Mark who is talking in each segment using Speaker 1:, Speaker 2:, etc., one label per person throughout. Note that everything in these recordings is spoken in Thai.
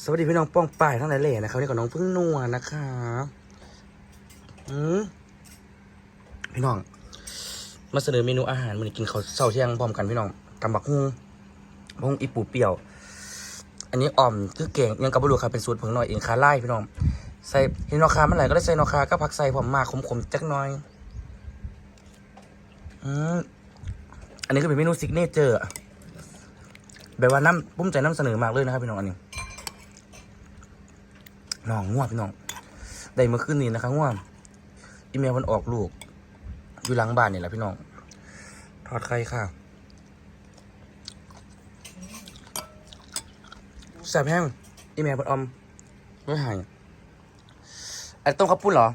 Speaker 1: วัสดีพี่น้องป้องป่ายทั้งหลายแหล่นะครับนี่กับน้องพึ่งนัวนะคะพี่น้องมาเสนอเมนูอาหารมื้อนี้กินข้าวเช้าเที่ยงพร้อมกันพี่น้องตำบักหุ่งอีปูเปรี้ยวอันนี้อ่อมคือเก่งยังกับบลูครับเป็นสูตรผงหน่อยเองคาไล่พี่น้องใส่เห็นนอคาเมื่อไหร่ก็ได้ใส่นอคาก็ผักใส่ผมมาขมๆจักหน่อยอันนี้ก็เป็นเมนูซิกเนเจอร์แบบว่าปุ้มใจน้ำเสนอมากเลยนะครับพี่น้องอันนี้น้องง่วงพี่น้องได้เมื่อคืนนี้นะครับง่วงอีเมลมันออกลูกอยู่หลังบ้านนี่แหละพี่น้องทอดไข่ค่ะแซ่บแห้งอีเมลมันอมไม่หายอันต้มข้าวปุ้นเหรอ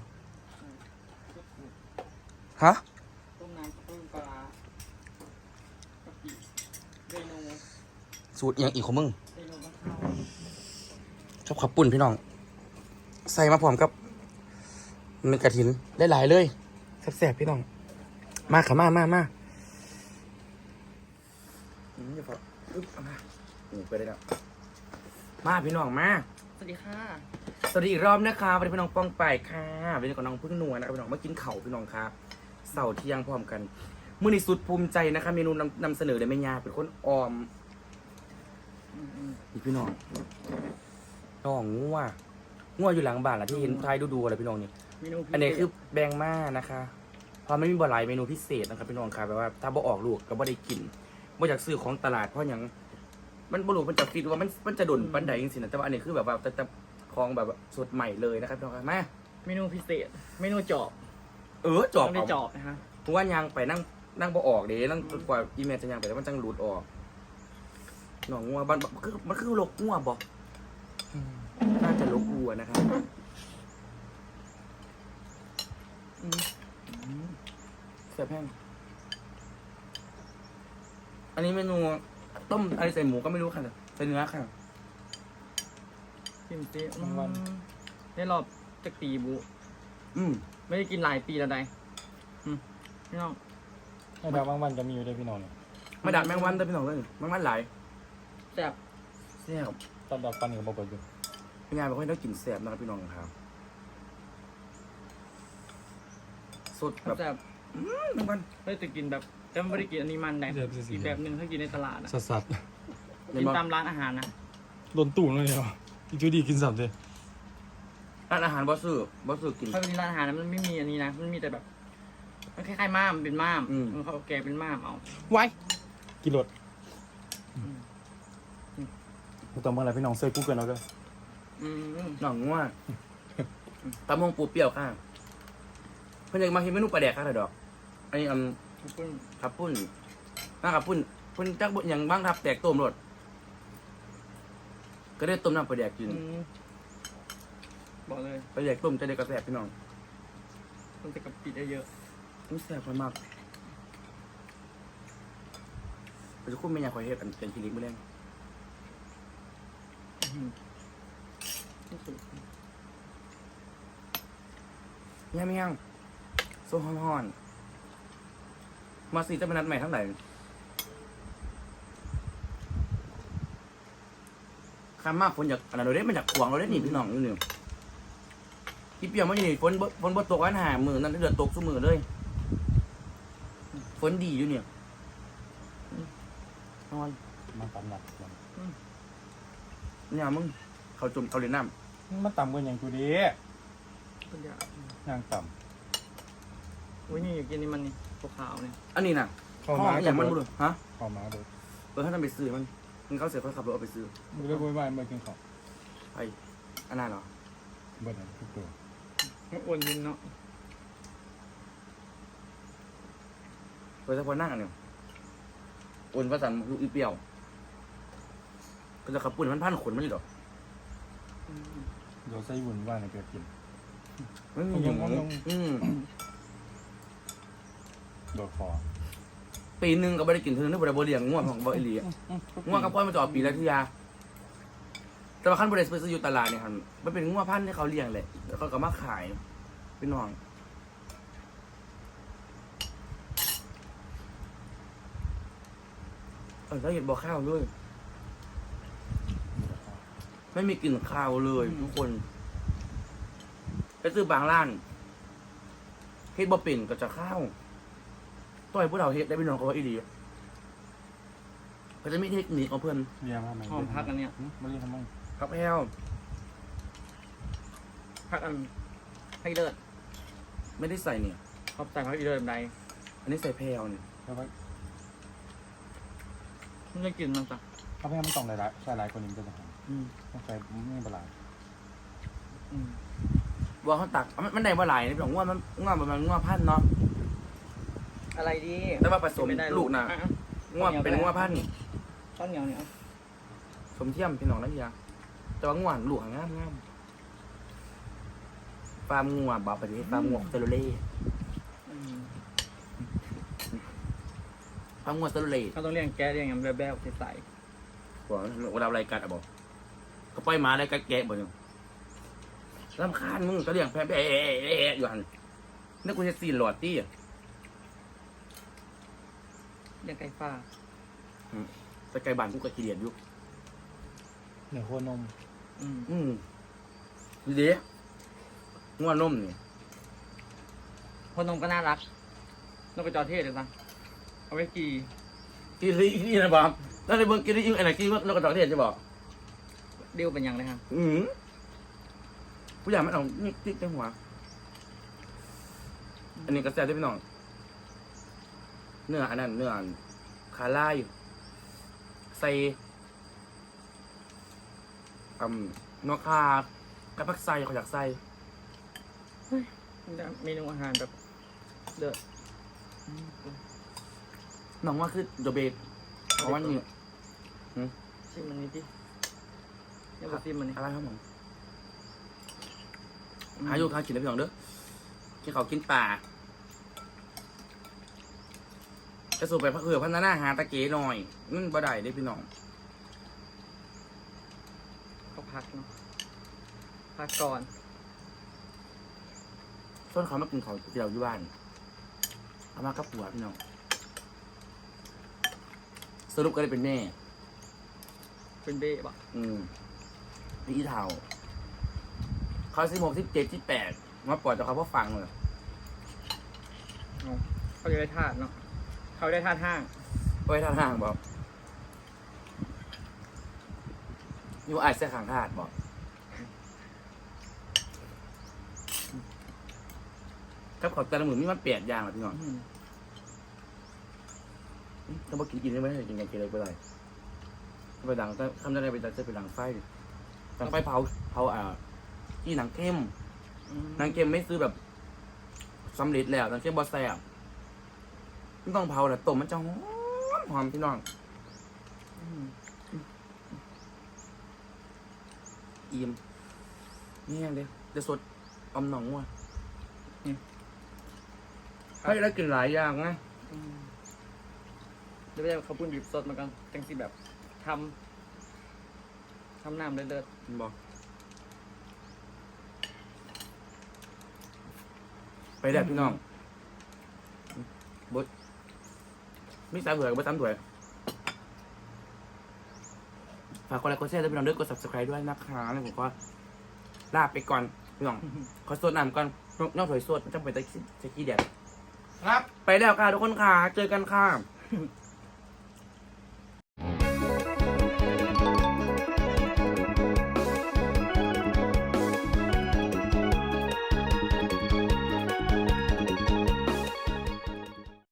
Speaker 1: ฮะ
Speaker 2: ต้มน้ำต้มปลาเรนู
Speaker 1: สูตรอย่างอีกของมึง
Speaker 2: เรนูมะพร้าว
Speaker 1: ชอบข้าวปุ้นพี่น้องใส่มาพร้อมกับมันกระถินได้หลายเลยแซ่บๆพี่น้องมาค่ะมาจะพอมาไปได้แล้วมาพี่น้องมา
Speaker 2: สวัสดีค่ะ
Speaker 1: สวัสดีอีกรอบนะคะวันนี้พี่น้องป้องไปค่ะวันนี้กับน้องพึ่งนัวนะครับพี่น้องมากินเข่าพี่น้องครับเสาร์เที่ยงพร้อมกันมื้อนี้สุดภูมิใจนะคะเมนูนำเสนอเลยแม่ยาเป็นคนออมนี่พี่น้องน้องงัวอยู่หลังบ้านแหละที่เห็นท้ายดูอะไรพี่น้องนี่
Speaker 2: เมนู
Speaker 1: อันนี้คือแบงม่านะคะเพราะมันมีบ่หลายเมนูพิเศษนะครับพี่น้องครับแบบว่าถ้าบ่ออกลูกก็บ่ได้กินบ่อยากซื้อของตลาดเพราะอย่างมันบ่รู้มันจะฟิตว่ามันจะดุนปันใดจริงๆนะแต่ว่าอันนี้คือแบบว่าแต่ของแบบสดใหม่เลยนะครับพี่น้องครับมา
Speaker 2: เมนูพิเศษเมนูจอบ
Speaker 1: จอบ
Speaker 2: ต้องได้จอบนะฮะ
Speaker 1: เพราะว่ายางไปนั่งบ่ออกเด้นั่งกว่าอีเมลจะยางไปแล้วมันจังหลุดออกน้องงัวมันคือลกงัวบ่น่าจะลกวัวนะครับเสียบแห้งอันนี้เมนูต้มอะไรใส่หมูก็ไม่รู้ค่ะใส่เนื้อค่ะ
Speaker 2: ชิมซิได้รอบจากปีบุ ไม่ได้กินหลายปีแล้วใดพี่น้อง
Speaker 3: ไม่ดาวบางวันจะมีอยู่ด้วยพี่น้องเนี่ย
Speaker 1: มาดัดแมงวันได้พี่น้องเลยแมงวันหลาย
Speaker 2: แซ่บ
Speaker 1: แซ่บ
Speaker 3: ตอนดับฟันกับบอกอยู่
Speaker 1: เป็นไงบอกให้ต้องกินแซ่บนะครับพี่น้องครับสดแบบ
Speaker 2: แซ่บ
Speaker 1: แมงวัน
Speaker 2: ไม่ได้กินแบบแต่ไม่ได้กินอันนี้มันแดงอีกแบบหนึ่งถ้ากินในตลาดนะ
Speaker 3: สัส
Speaker 2: กินตามร้านอาหารนะ
Speaker 3: ๆโดนตู่เลยเหรออีกทีดีกินสับเลย
Speaker 1: ร้านอาหารบอสซื้อกิน
Speaker 2: ถ้าเป็นร้านอาหารนะมันไม่มีอันนี้นะมันมีแต่แบบมันคล้ายๆม่ามเป็นม่ามเขาแกเป็นม่ามเอา
Speaker 3: ไว้กินรถตอนเมื่อไรพี่น้องเซิร์ชกูเกิลเอาด้วย
Speaker 1: หน่องง่วงตำมงปูเปรี้ยวค่ะเพื่อนยังมาเห็นเมนูปลาแดกค่ะดอกอันนี้ขับปุ้นน่าขับปุ้นจักบุอย่างบ้างครับแตกต้มรสก็ได้ต้มน้ำปลาแดกกิน
Speaker 2: บอกเลย
Speaker 1: ปลาแดกต้มจะได้กระแสพี่น้อง
Speaker 2: ต้องจะกับปิดได้เยอะ
Speaker 1: นี่แซ่บมากเราจะคุ้มไม่อยากคอยเฮ็ดกันเป็นคลินิกมื้อแรงยังโซ่ฮ้อนๆมาสิจะเป็นนัดใหม่ทั้งไหนข้ามมากฝนอยากอันนั้นเราได้มันอยากขวางเราได้หนีพี่น้องอยู่นี่ที่เปียกมันอยู่นี่ฝนบ่ตกวันหามือนั่นเดือดตกซุมือเลยฝนดีอยู่เนี่ยนอน
Speaker 3: มันต่ำหนัก
Speaker 1: เนี่ยมึงเขาจุ่มเขาเล่นน้
Speaker 3: มันต่ำกว่าอย่างกูดี
Speaker 2: คนเดียว
Speaker 3: ย่างต่
Speaker 2: อุ้ยนี่อยากกินนี่มันนี่ขาวๆเนี่ย
Speaker 1: ำอันนี้น่ะ
Speaker 3: ำเข้ามา
Speaker 1: อย่างมันบุรุษฮะ
Speaker 3: เข้ามาดู
Speaker 1: ถ้าทำไปซื้อมันเขาเสียเขาขับรถเอาไปซื้อ
Speaker 3: ดูด้วยว่าเมื่อกินข้าว
Speaker 1: ไปอันนั้นเหรอ
Speaker 3: เบิร์ดทุกตัว
Speaker 2: มันอ้วนยินเนาะ
Speaker 1: โดยเฉพาะนั่งอันเนี้ยอุ่นประสันลูกอีเปรี้ยวก็จะขับปุ่นมันพันขนมันอยู่หรอ
Speaker 3: เดี๋ยวใส่วุ่นว่าในเกิดกิน
Speaker 1: ไม่มีอย่างนั้น
Speaker 3: โดดคอ
Speaker 1: ปีนึงก็ไม่ได้กินเท่านึกว่าได้บริเลียงง่วงของบริเลียง่วงกับพ่อมาจอดปีละทียาแต่ว่าขั้นบริษัทไปซื้ออยู่ตลาดเนี่ยครับมันเป็นง่วงพันธุ์ที่เขาเลี้ยงแหละแล้วเขาก็มาขายเป็นน้องแล้วเห็ดบ่อข้าวด้วยไม่มีกลิ่นคาวเลยทุกคนไปซื้อบางร้านเฮ็ดบ่เป็นก็จะข้าวต่อยพวกเราเฮ็ดได้พี่น้องเขาว่าอีดีก็จะมีเทคนิคของเพื่อน
Speaker 3: เรียกว่าไง
Speaker 2: หอมพักอันเนี้ย
Speaker 3: ไม่เรียกทำไม
Speaker 1: ครับแพลว
Speaker 2: พักอันให้เลิศ
Speaker 1: ไม่ได้ใส่เนี่ย
Speaker 2: เขาใส่พักอีเลิศใด
Speaker 1: อันนี้ใส่แพลวเนี่ย
Speaker 3: เพราะว่า
Speaker 2: ไม่ได้กินมันจ้ะ
Speaker 3: ถ้าไม่ต้องหลายๆใส่หลายคนนี้มันจะหอม
Speaker 1: อืม
Speaker 3: ต้องใส่ไม่เป็นไร
Speaker 2: อืม
Speaker 1: ว่าเขาตักมันได้บ่หลายนะพี่น้องว่ามันง่วประมาณง่วพันเนาะ
Speaker 2: อะไรดี
Speaker 1: แต่ว่าผสม
Speaker 2: ไม่ได้
Speaker 1: ลูกนะ
Speaker 2: อ่
Speaker 1: ง่วเป็นง่วพัน
Speaker 2: ข้าวเหนียวเนี่ย
Speaker 1: สมเทียมพี่น้องนะเฮียแต่ว่าง่วลูกงามฟาร์มง่วบอกไปดิฟาร์มง่วเซลลูเล่
Speaker 2: อืม
Speaker 1: ฟาร์มง่วเซลลูเล่
Speaker 2: เขาต้องเลี้ยงแกะเลี้ยงอย่างแบบๆใส
Speaker 1: บอกเวลาอะไรกัดอะบอกก็ปล่อยหมาอะไรกัดแกะบ่เนี่ยรำคาญมึงก็เลี้ยงแพ้อยู่หันนี่กูจะซีนหลอดตี้อะ
Speaker 2: ๆเลี้ยงไก่ฟ้า
Speaker 1: สกายบานกูก็ขี้เดียดอยู่
Speaker 3: เหนือขั้วนม
Speaker 2: อืม
Speaker 1: ดีดีง่วนนมนี่
Speaker 2: คนนมก็น่ารักนกกระจอกเทศเลยจ้ะเอาไว้กี่
Speaker 1: กินนี่นะบอมแล้วในเบิ้งกินนี่อะไรกินนกกระจอกเทศจะบอก
Speaker 2: ดิ้วเป็นยังไงครับ
Speaker 1: ผู้ใหญ่มันเอานี่ติ๊กในหัวอันนี้ก็แซ่บได้พี่น้องเนื้ออันนั้นเนื้อคาร่าอยู่ใส่นกคากระพักไส้เขาอยากใส่
Speaker 2: เมนูอาหารแบบเลิศ
Speaker 1: น้องว่าคือโดเบตเพราะว่านี่
Speaker 2: ชิมมันนี้ดิเนี่ยบอกชิมมันนี่
Speaker 1: อะไรครับผมหาอยู่ทานกินได้พี่น้องเด้อกินเขาวกินป่าจะสูบไปพักเผื่อพันหน้าหาตะเกียหน่อยนั่นบ่ได้เด้พี่น้อง
Speaker 2: เขาพักเนาะพักก่อน
Speaker 1: ส่วนเขามากินเขาวที่เราอยู่บ้านเอามากับผัวพี่น้องสรุปก็เลยเป็นแม่
Speaker 2: เป็นเบ้ปะ
Speaker 1: พี่เท่าเขา16 17 18มาปล่อยแต่เขาพอฟังเลย
Speaker 2: เขาจะได้ธาตุเนาะเขาได้ธาตุห้าง
Speaker 1: ไว้ท่าทางบอกอยู่อาจจะขังธาตุบอกกับขอแต่ละหมื่นนี่มันเปลี่ยนอย่างหรอพี่น้องถ้าบอกกินได้ไหมกินกันกินอะไรไปเลยไปดังถ้าทำได้ไปจะไปดังไฟดังไฟเผาที่หนังเข้มหนังเข้มไม่ซื้อแบบสำเร็จแล้วหนังเข้มบอสแซ่บไม่ต้องเผาแหละต้มมันจะหอมพี่น้องอิ่มนี่ยังเด้เดี๋ยวสดอมหนองว่ะให้ได้กินหลายอย่างนะ
Speaker 2: เดี๋ยวไปเอาข้าวปุ้นดิบสดมากันจังสิแบบทำน้ำเลิศ
Speaker 1: บอกไปแดดพี่น้องบดมีสามถ้วยกับบดสามถ้วยฝากกดไลค์กดแชร์ด้วยพี่น้องด้วยกด subscribe ด้วยนะคะแล้วผมก็ลาไปก่อนพี่น้องขอสดน้ำก่อนนอกถ้วยสดมันจะไปตะกี้แดด
Speaker 3: ครับ
Speaker 1: ไปแล้วค่ะทุกคนค่ะเจอกันค่ะ
Speaker 2: ๆ